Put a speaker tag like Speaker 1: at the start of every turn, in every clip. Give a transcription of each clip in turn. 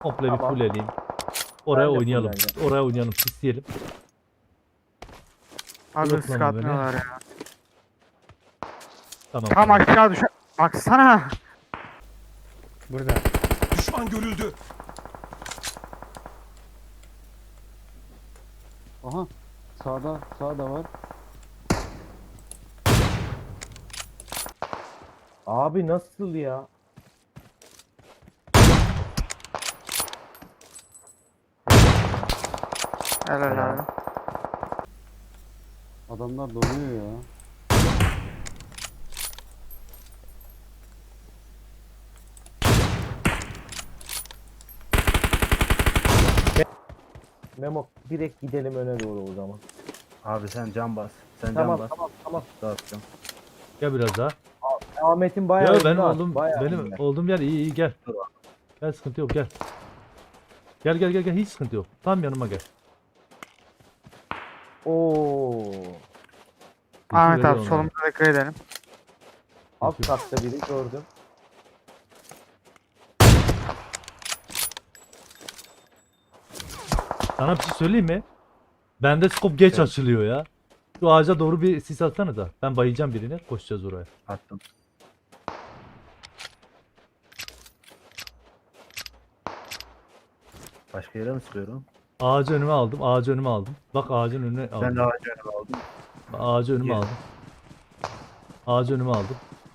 Speaker 1: Komple bir
Speaker 2: Tamam.
Speaker 1: full eleyim. Oraya
Speaker 2: Ben de
Speaker 1: oynayalım.
Speaker 2: fulleneceğim.
Speaker 1: Oraya oynayalım. Pisleyelim.
Speaker 3: Abi
Speaker 1: Yok
Speaker 3: ısk
Speaker 1: lan o
Speaker 3: atmıyorlar ya.
Speaker 1: Tamam.
Speaker 3: Tam aşağı düş. Baksana.
Speaker 4: Burada.
Speaker 5: Düşman görüldü.
Speaker 6: Aha. Sağda var.
Speaker 2: Abi nasıl ya?
Speaker 3: Helal abi.
Speaker 6: Adamlar donuyor ya.
Speaker 2: Memo direkt gidelim öne doğru o zaman.
Speaker 7: Abi sen can bas. Sen
Speaker 2: Tamam
Speaker 7: can bas.
Speaker 2: tamam.
Speaker 7: Dağıtacağım.
Speaker 1: Gel biraz daha.
Speaker 2: Ahmet'in bayağı
Speaker 1: Ya benim
Speaker 2: önünde
Speaker 1: olduğum
Speaker 2: bayağı
Speaker 1: benim
Speaker 2: önünde.
Speaker 1: olduğum yer iyi gel. Gel sıkıntı yok gel. Gel hiç sıkıntı yok. Tam yanıma gel.
Speaker 2: Oo.
Speaker 3: Ahmet
Speaker 1: Veriyor
Speaker 3: abi
Speaker 1: onlara.
Speaker 3: solumuza dikkat edelim.
Speaker 2: Alt katta biri gördüm.
Speaker 1: Sana bir şey söyleyeyim mi? Bende scope geç açılıyor ya. Şu ağaca doğru bir sis atsana da. Ben bayacağım birine. Koşacağız oraya.
Speaker 7: Attım. Başka yere mi sıkıyorum?
Speaker 1: Ağacı önüme aldım. Ağacı önüme aldım. Bak ağacın önüne aldım.
Speaker 7: Ben de ağacı önüme aldım.
Speaker 1: Ağacı önüme
Speaker 7: Gel.
Speaker 1: aldım. Ağacı önüme aldım.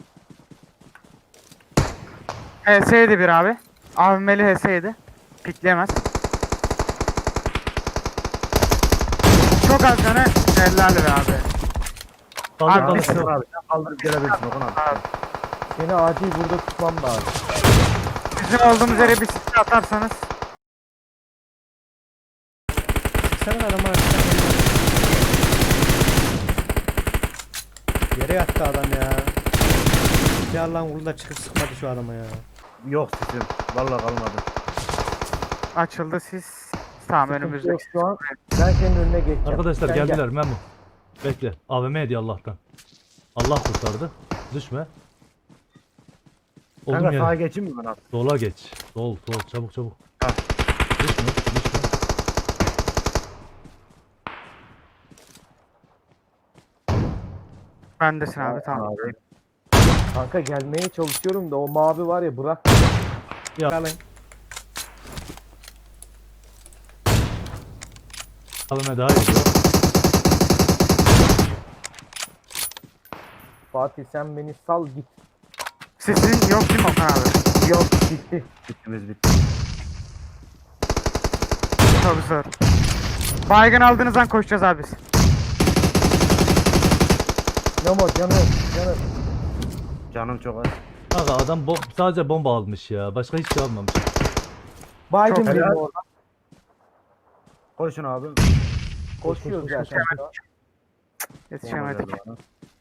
Speaker 3: HS'ydi bir abi. AVM'li HS'ydi. Pikleyemez. Çok az tane helal be abi.
Speaker 1: Kaldır
Speaker 3: Abi,
Speaker 1: kaldır.
Speaker 3: biz-
Speaker 1: kaldır.
Speaker 7: Abi sen kaldırıp gelebilirsin Okan abi.
Speaker 3: Abi,
Speaker 2: Seni acil burada tutmam lazım.
Speaker 3: bizim olduğumuz yere bir silah atarsanız.
Speaker 4: Sen adamı yere yattı adam ya. Ya Allah'ın kulu da çıkıp sıkmadı şu adama ya.
Speaker 7: Yok sesim. Vallahi kalmadı.
Speaker 3: Açıldı siz. Tamam
Speaker 2: Sıkıntı
Speaker 3: önümüzde.
Speaker 2: yok şu an. Ben senin önüne geçeceğim.
Speaker 1: Arkadaşlar
Speaker 2: Sen
Speaker 1: geldiler Memo. Bekle. AVM hediye Allah'tan. Allah kurtardı. Düşme. Oldum
Speaker 7: Kanka sağa
Speaker 1: yere.
Speaker 7: geçeyim mi ben abi?
Speaker 1: Sola geç. Sol çabuk çabuk.
Speaker 7: Ha.
Speaker 1: Düşme.
Speaker 3: Bendesin abi tamam.
Speaker 7: Abi.
Speaker 2: Kanka gelmeye çalışıyorum da o mavi var ya bırak.
Speaker 4: Alın.
Speaker 1: AVM daha iyi.
Speaker 2: Fatih sen beni sal git.
Speaker 3: Sesin yok değil mi Okan abi?
Speaker 2: Yok gitti.
Speaker 7: Bittimiz bitti.
Speaker 3: Tabii zor. Baygın aldığınızdan koşacağız abi biz.
Speaker 2: Memo canım.
Speaker 7: Canım çok az.
Speaker 1: Kanka adam sadece bomba almış ya. Başka hiç şey almamış.
Speaker 2: Biden
Speaker 3: Çok
Speaker 2: benim
Speaker 7: helal.
Speaker 2: orada.
Speaker 7: Koşun abi.
Speaker 2: Koşuyoruz zaten.
Speaker 3: Yetişemedik.
Speaker 7: Bomba geldi bana.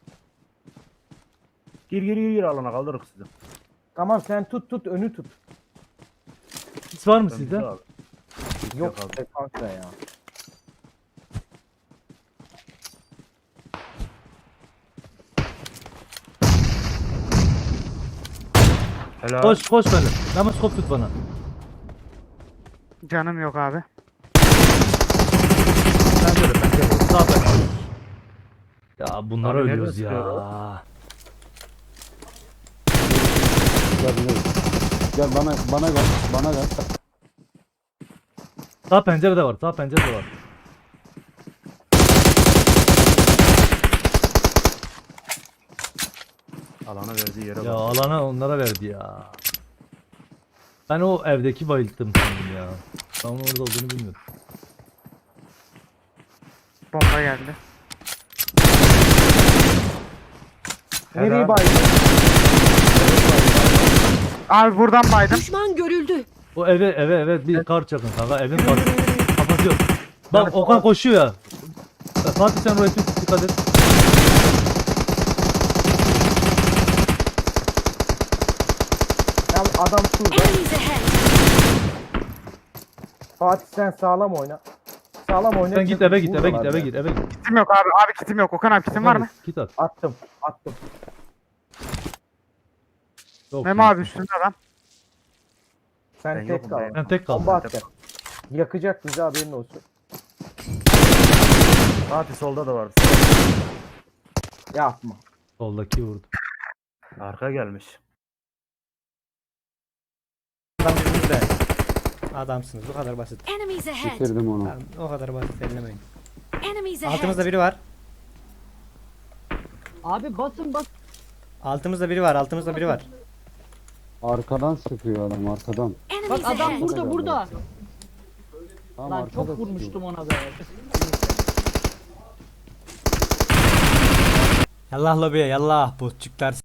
Speaker 7: Gir alana kaldırırız sizi.
Speaker 2: Tamam sen tut önü tut.
Speaker 1: Hiç var mı
Speaker 7: Ben
Speaker 1: sizde?
Speaker 7: bizi abi.
Speaker 2: Yok
Speaker 7: abi.
Speaker 2: işte kanka ya.
Speaker 7: Helal.
Speaker 1: Koş böyle. Hemen skop tut bana.
Speaker 3: Canım yok abi.
Speaker 1: Ben de. Sağ ben. Ya bunlara
Speaker 7: Abi
Speaker 1: ölüyoruz
Speaker 7: nereden
Speaker 1: ya.
Speaker 7: sıkıyor
Speaker 6: Gel bana gel.
Speaker 1: Sağ pencerede var. Sağ pencerede var.
Speaker 7: Alana verdiği yere
Speaker 1: Ya
Speaker 7: bak.
Speaker 1: alana onlara verdi ya. Ben o evdeki bayılttım sandım ya. Ben onun orada olduğunu bilmiyordum.
Speaker 3: Bomba geldi.
Speaker 7: Helal.
Speaker 2: Nereye baydın?
Speaker 3: Abi buradan baydım.
Speaker 8: Düşman görüldü.
Speaker 1: O eve bir kar çakın kanka. Evin kar kapatıyor. Bak Okan koşuyor ya. Fatih sen oraya dikkat et.
Speaker 2: Ya adam şurada.
Speaker 8: Enemies ahead.
Speaker 2: Fatih sen sağlam oyna. Sağlam oyna.
Speaker 1: Sen git eve git eve git.
Speaker 3: Kitim yok abi. Abi kitim yok. Okan abi kitim var mı?
Speaker 1: Git at.
Speaker 2: Attım.
Speaker 1: Çok
Speaker 3: Memo
Speaker 1: iyi.
Speaker 3: abi üstünde adam.
Speaker 2: Sen
Speaker 7: Ben
Speaker 2: tek
Speaker 7: yokum,
Speaker 2: kal.
Speaker 7: ben.
Speaker 1: Ben tek kaldım.
Speaker 2: Bomba atacak. Yakacak bizi, haberin olsun.
Speaker 7: Fatih solda da var.
Speaker 2: Yapma.
Speaker 1: Soldaki vurdu.
Speaker 7: Arka gelmiş.
Speaker 4: Adam yüzünüzde. Adamsınız. Bu kadar basit.
Speaker 5: Enemies ahead.
Speaker 6: Bitirdim onu.
Speaker 4: Tamam, o kadar basit ellemeyin.
Speaker 5: Enemies ahead.
Speaker 4: Altımızda biri var.
Speaker 8: Abi basın bas.
Speaker 4: Altımızda biri var. Altımızda biri var.
Speaker 6: Arkadan sıkıyor adam arkadan.
Speaker 8: Bak
Speaker 5: Enemies
Speaker 8: adam
Speaker 5: ahead.
Speaker 8: burada burada.
Speaker 6: Tamam,
Speaker 8: Lan
Speaker 6: arkada
Speaker 8: çok
Speaker 6: sıkıyor.
Speaker 8: vurmuştum ona be.
Speaker 4: Yallah lobiye yallah botçuklar.